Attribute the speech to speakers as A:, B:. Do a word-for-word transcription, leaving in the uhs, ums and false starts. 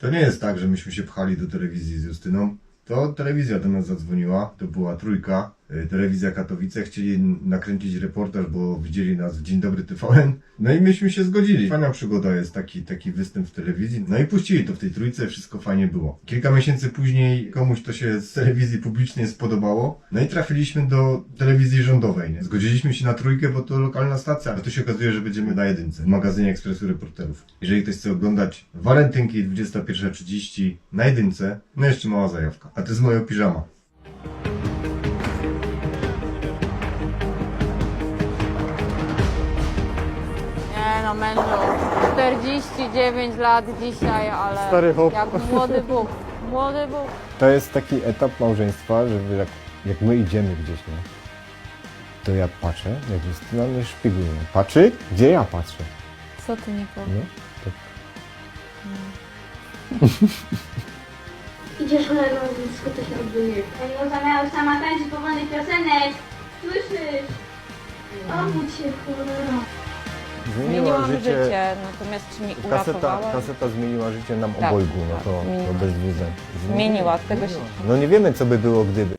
A: To nie jest tak, że myśmy się pchali do telewizji z Justyną. To telewizja do nas zadzwoniła, to była Trójka, y, telewizja Katowice, chcieli nakręcić reportaż, bo widzieli nas w Dzień Dobry T V N. No i myśmy się zgodzili. Fajna przygoda jest taki, taki występ w telewizji. No i puścili to w tej Trójce, wszystko fajnie było. Kilka miesięcy później komuś to się z telewizji publicznej spodobało. No i trafiliśmy do telewizji rządowej. Nie? Zgodziliśmy się na Trójkę, bo to lokalna stacja, ale to się okazuje, że będziemy na Jedynce, w magazynie Ekspresu Reporterów. Jeżeli ktoś chce oglądać Walentynki dwudziesta pierwsza trzydzieści na Jedynce, no jeszcze mała zajawka. A to jest moja piżama.
B: Nie no, mężu, czterdzieści dziewięć lat dzisiaj, ale
C: Stary chłop.
B: jak młody Bóg, młody Bóg.
C: To jest taki etap małżeństwa, że jak, jak my idziemy gdzieś, nie? To ja patrzę, jak Justyna mnie szpieguje. Patrzy? Gdzie ja patrzę?
B: Co ty nie powiesz?
C: No, tak.
D: Idziesz ale na blisko, to się odbyje.
E: Ej, zamiast sama tańczyć powolnych piosenek. Słyszysz? Obudź się, cholera.
B: Zmieniłam życie, natomiast czy mi
C: Kaseta,
B: uratowała?
C: kaseta zmieniła życie nam
B: Tak,
C: obojgu, no
B: tak,
C: to,
B: zmieniła.
C: to bez dwóch zdań.
B: Zmieniła, tego się...
C: No nie wiemy, co by było gdyby.